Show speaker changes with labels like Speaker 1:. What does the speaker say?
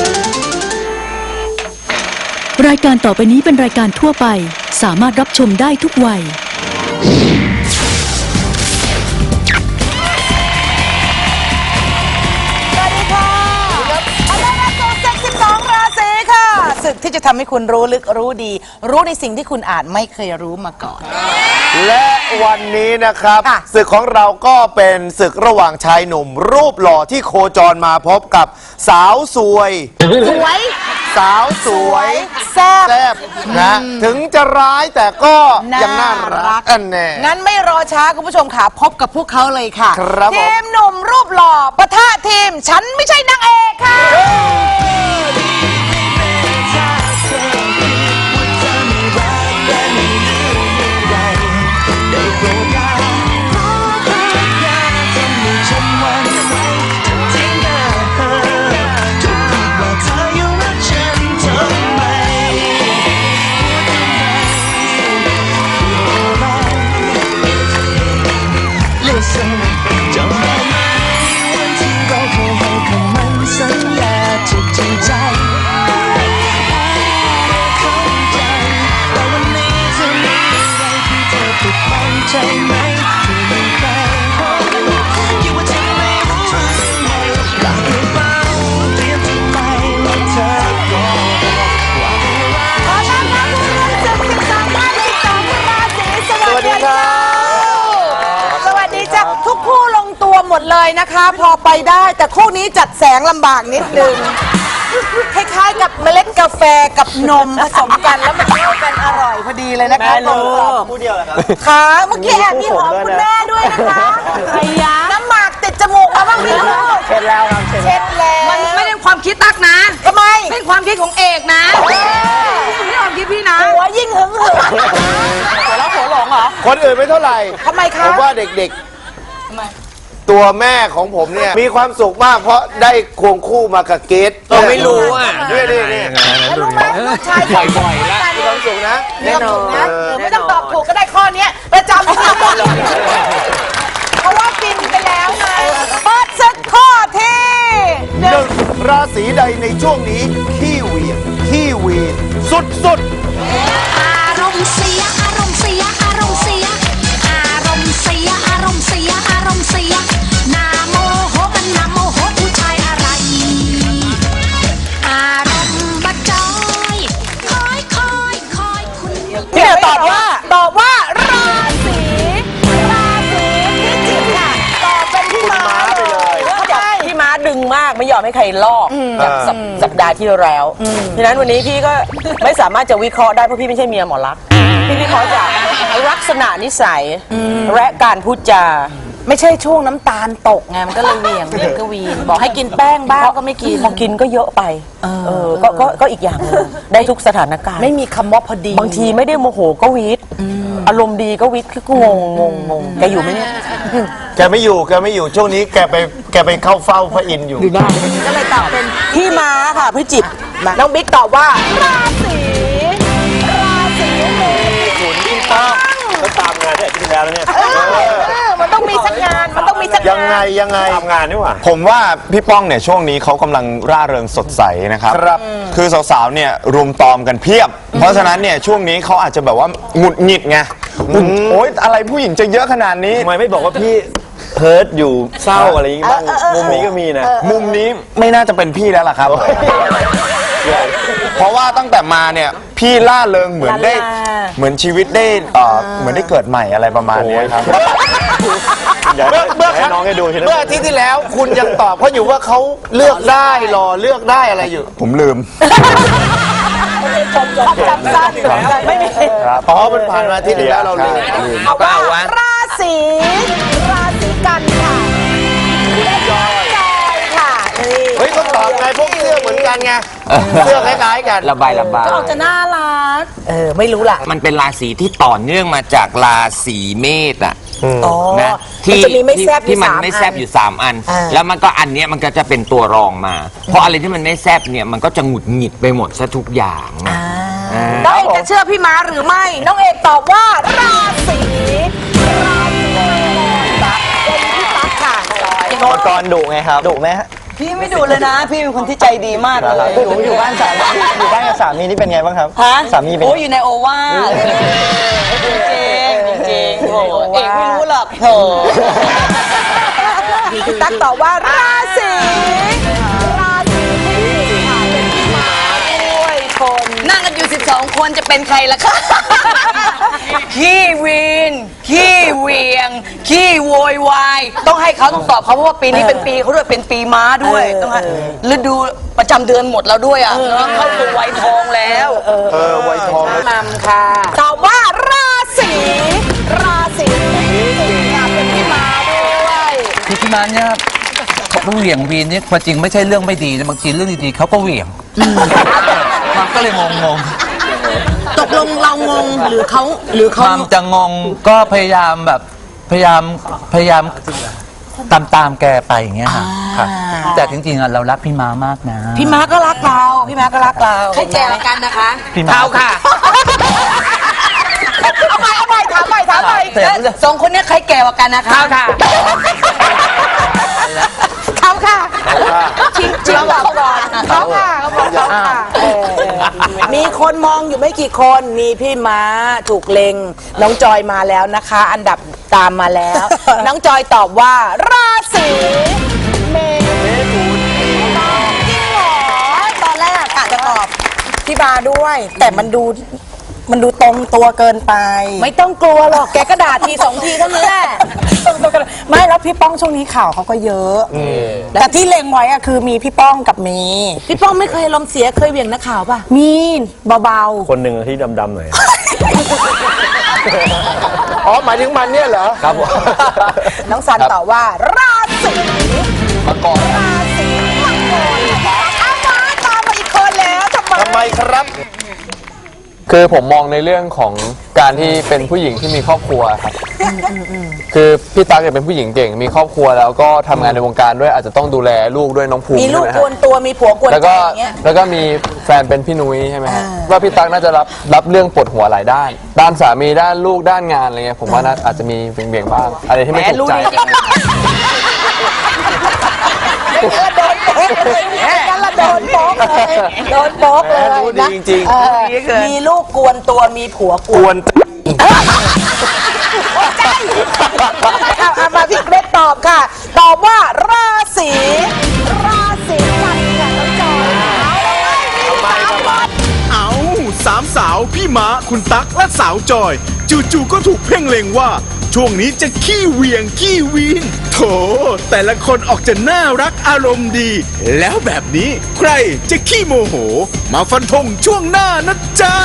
Speaker 1: รายการต่อไปนี้เป็นรายการทั่วไปสามารถรับชมได้ทุกวัย
Speaker 2: ศึกที่จะทำให้คุณรู้ลึกรู้ดีรู้ในสิ่งที่คุณอาจไม่เคยรู้มาก่อน
Speaker 3: และวันนี้นะครับศึกของเราก็เป็นศึกระหว่างชายหนุ่มรูปหล่อที่โคจรมาพบกับสาวสวยสาวสวย
Speaker 2: แซ่บ
Speaker 3: นะถึงจะร้ายแต่ก็ยังน่ารักแน่
Speaker 2: งั้นไม่รอช้าคุณผู้ชมค่ะพบกับพวกเขาเลยค่ะ
Speaker 3: ครับ
Speaker 2: ทีมหนุ่มรูปหล่อปะทะทีมฉันไม่ใช่นางเอกค่ะหมดเลยนะคะพอไปได้แต่คู่นี้จัดแสงลำบากนิดนึงคล้ายๆกับเมล็ดกาแฟกับนมผสมกันแล้วมันเข้ากันอร่อยพอดีเลยนะคะ
Speaker 3: คู่เดียวเหรอครับ
Speaker 2: ค่ะเมื่อกี้แอบมีหอมคุณแม่ด้วยนะคะไอ้ยาน้ำหมากติดจมูกมาบ้างพี่ลูก
Speaker 3: เช็ดแล้วครับ
Speaker 2: เช็ดแล้ว
Speaker 4: มันไม่เป็นความคิดตักนะ
Speaker 2: ทำไม
Speaker 4: เป็นความคิดของเอกนะไม่ความคิดพี่นะ
Speaker 2: หัวยิ่งหึง
Speaker 3: แล้วหัวหลงเหรอคนอื่นไม่เท่าไหร่
Speaker 2: ทำไมคะ
Speaker 3: ผมว่าเด็กๆทำไมตัวแม่ของผมเนี่ยมีความสุขมากเพราะได้ควงคู่มากับเกส
Speaker 4: เราไม่รู้อ่ะ
Speaker 3: นี่
Speaker 2: รู้ไหมลูกชาย
Speaker 3: บ่อยๆแล้วมีความสุขนะ
Speaker 2: แน่นอนนะไม่ต้องตอบถูกก็ได้ข้อนี้ประจำเพราะว่าฟินไปแล้วไงเปิดศึกข้อที่
Speaker 3: หนึ่งราศีใดในช่วงนี้ขี้เหวี่ยงขี้วีนสุด
Speaker 5: ๆอารมณ์เสียอารมณ์เสียอารมณ์เสียอารมณ์เสียอารมณ์เสียอารมณ์เสียนาโมโหมันนาโมโหผู้ชายอะไรอารมณ์บัดจอยคอยคุณ
Speaker 2: พี่ตอบว่าราศีพิจิกค่ะตอบเป็นพี่ม้าไปเลย
Speaker 4: พี่ม้าดึงมากไม่ยอมให้ใครลอกจากสัปดาห์ที่แล้วฉะนั้นวันนี้พี่ก็ไม่สามารถจะวิเคราะห์ได้เพราะพี่ไม่ใช่เมียหมอลักษณ์พี่วิเคราะห์จากลักษณะนิสัยและการพูดจา
Speaker 2: ไม่ใช่ช่วงน้ำตาลตกไงมันก็เลยเหวี่ยงก็วีนบอกให้กินแป้งบ้างก็ไม่กิน
Speaker 4: พอกินก็เยอะไปก็อีกอย่างนึงได้ทุกสถานการณ์
Speaker 2: ไม่มีคำว่าพอดี
Speaker 4: บางทีไม่ได้โมโหก็วิทอารมณ์ดีก็วิทก็งงแกอยู่ไหมเนี่ย
Speaker 3: แกไม่อยู่ช่วงนี้แกไปเข้าเฝ้าพระอินทร์อยู่
Speaker 2: ก็เลยตอบเป็น
Speaker 4: พี่ม้าค่ะพิจิก
Speaker 2: น้องบิ๊กตอบว่าราศีเมถุน
Speaker 3: ถูกต้องก็ตามงานที่อาทิตย์ที่แล้วเนี่ย
Speaker 2: มันต้องมีสักงาน
Speaker 3: ยังไง
Speaker 6: ทำงานนี่หว่า
Speaker 7: ผมว่าพี่ป้องเนี่ยช่วงนี้เขากำลังร่าเริงสดใสนะครับคือสาวๆเนี่ยรุมตอมกันเพียบเพราะฉะนั้นเนี่ยช่วงนี้เขาอาจจะแบบว่าหงุดหงิดไงโอ๊ยอะไรผู้หญิงจะเยอะขนาดนี้
Speaker 6: ทำไมไม่บอกว่าพี่เพิร์ดอยู่เศร้าอะไรอย่างงี้บ้างมุมนี้ก็มีนะ
Speaker 7: มุมนี้ไม่น่าจะเป็นพี่แล้วล่ะครับเพราะว่าตั้งแต่มาเนี่ยพี่ล่าเริงเหมือนชีวิตได้เหมือนได้เกิดใหม่อะไรประมาณนี้ครับ
Speaker 3: เมื่ออาทิตย์ที่แล้วคุณยังตอบเขาอยู่ว่าเขาเลือกได้รอเลือกได้อะไรอยู่
Speaker 7: ผมลืม
Speaker 2: จำสั้นไม่มี
Speaker 3: อ๋อมันผ่านมาอาทิตย์ที่แล้วเราลืม
Speaker 2: เอาว่าราศีกันค่ะจอยค่ะ
Speaker 3: เฮ้ยก็ตอบไงพวกเสื้อเหมือนกันไงเสื้อคล้ายๆกัน
Speaker 4: ระบาย
Speaker 2: ก็จะน่ารักไม่รู้ล่ะ
Speaker 4: มันเป็นราศีที่ต่อเนื่องมาจากราศีเมษอ่ะ
Speaker 2: นะที่
Speaker 4: มันไม่แซบอยู่3 อันแล้วมันก็อันเนี้ยมันก็จะเป็นตัวรองมาเพราะอะไรที่มันไม่แซบเนี่ยมันก็จะหงุดหงิดไปหมดซะทุกอย่าง
Speaker 2: น้องเอกจะเชื่อพี่ม้าหรือไม่น้องเอกตอบว่าราศีเป็นพี่ตั๊กค่ะ
Speaker 6: ตอนดุไงครับดุไหมฮะ
Speaker 4: พี่ไม่ดูเลยนะ พี่เป็นคนที่ใจดีมากเลย
Speaker 6: ผมอยู่บ้านสามีอยู่บ้านกับสามีนี่เป็นไงบ้างครับ
Speaker 4: ฮะ
Speaker 6: สามีเป็น
Speaker 4: โอ้ยอยู่ในโอวาทจริงโอ้เอกไม่รู้หรอกโถ
Speaker 2: ตั๊กตอบว่าราศีค่ะเป็นพี่ม้าด้วยคน
Speaker 4: นั่งกันอยู่ 12 คนจะเป็นใครล่ะคะ ขี้วีนขี้เวียงขี้โวยวายต้องให้เขาต้องตอบเขาเพราะว่าปีนี้เป็นปีเขาด้วยเป็นปีม้าด้วยต้องให้ฤดูประจำเดือนหมดแล้วด้วยอ่ะเนาะเข้าสู่วัยทองแล้ว
Speaker 3: ไวยทองนะ
Speaker 2: นำค่ะตอบว่าราศีค่ะเป็นพี่ม้าด้วย
Speaker 8: คือที่มันเนี่ยเขาเหวี่ยงวีนเนี่ยความจริงไม่ใช่เรื่องไม่ดีนะบางทีเรื่องดีๆเขาก็เหวี่ยงมันก็เลยงง
Speaker 4: ตกลงเรางงหรือเขา
Speaker 8: ๆความจะงงก็พยายามแบบพยายามตามแกไปอย่างเงี้ยค่ะแต่จริงๆอะเรารักพี่ม้ามากนะ
Speaker 4: พี่ม้าก็รักเราพี่ม้าก็รักเราใครแก่กันนะคะ
Speaker 8: พี่ม้า
Speaker 4: เขาค่ะเอาใหม่ถามใหม่สองคนนี้ใครแก่กว่ากันนะคะเขาค่ะเขาค่ะจริงบอกก่อน
Speaker 2: เขาค่ะเขาบอกเขาค่ะมีคนมองอยู่ไม่กี่คนมีพี่ม้าถูกเล็งน้องจอยมาแล้วนะคะ อันดับตามมาแล้ว น้องจอยตอบว่าราศีเมถุนจริงเหรอตอนแรกกะจะตอบพี่บาด้วย แต่มันดูตรงตัวเกินไปไม่ต้องกลัวหรอกแกก็ด่าทีสองทีเท่านั้นแหละไม่แล้วพี่ป้องช่วงนี้ข่าวเขาก็เยอะแต่ที่เล็งไว้อะคือมีพี่ป้องกับมีพี่ป้องไม่เคยลมณ์เสียเคยเหวี่ยงนักข่าวป่ะมีเบา
Speaker 6: คนหนึ่งที่ดำๆหน่อย
Speaker 3: อ๋อหมายถึงมันเนี่ยเหรอ
Speaker 6: ครับผม
Speaker 2: ๆน้องสันตอบว่าราศีมังกรราศีมังกรเอามาตามมาอีกคนแล้วทำไม
Speaker 3: ครับ
Speaker 9: คือผมมองในเรื่องของการที่เป็นผู้หญิงที่มีครอบครัวครับคือพี่ตั๊กเนี่ยเป็นผู้หญิงเก่งมีครอบครัวแล้วก็ทำงานในวงการด้วยอาจจะต้องดูแลลูกด้วยน้องภูมิ
Speaker 2: มีลูก
Speaker 9: ใช่ไห
Speaker 2: กวนตัวมีผัวกวน
Speaker 9: แล้ว
Speaker 2: ใจ
Speaker 9: ก็
Speaker 2: อย่างเงี้ย
Speaker 9: แล้วก็มีแฟนเป็นพี่นุ้ยใช่ไหมฮะว่าพี่ตั๊กน่าจะรับเรื่องปวดหัวหลายด้านด้านสามีด้านลูกด้านงานอะไรเงี้ยผมว่าน่าอาจจะมีเบี่ยงๆบ้างอะไรที่ไม่ถูกใจ
Speaker 2: โดนโป๊กเลยกันละโดนโป๊กเลยโดนโป๊กเลย
Speaker 3: รู้ดี
Speaker 2: นะ
Speaker 3: จริง
Speaker 2: มีลูกกวนตัวมีผัวก
Speaker 3: ก
Speaker 2: ว
Speaker 3: วน น
Speaker 2: เอามาพี่เกรดตอบค่ะ ตอบว่าราศีกันค่ะน้องจอย
Speaker 10: เอาสามสาวพี่ม้าคุณตั๊กและสาวจอย จู่ๆก็ถูกเพ่งเล็งว่า ช่วงนี้จะขี้เหวี่ยงขี้วีนโถแต่ละคนออกจะน่ารักอารมณ์ดี แล้วแบบนี้ใครจะขี้โมโห มาฟันธงช่วงหน้านะจ๊ะ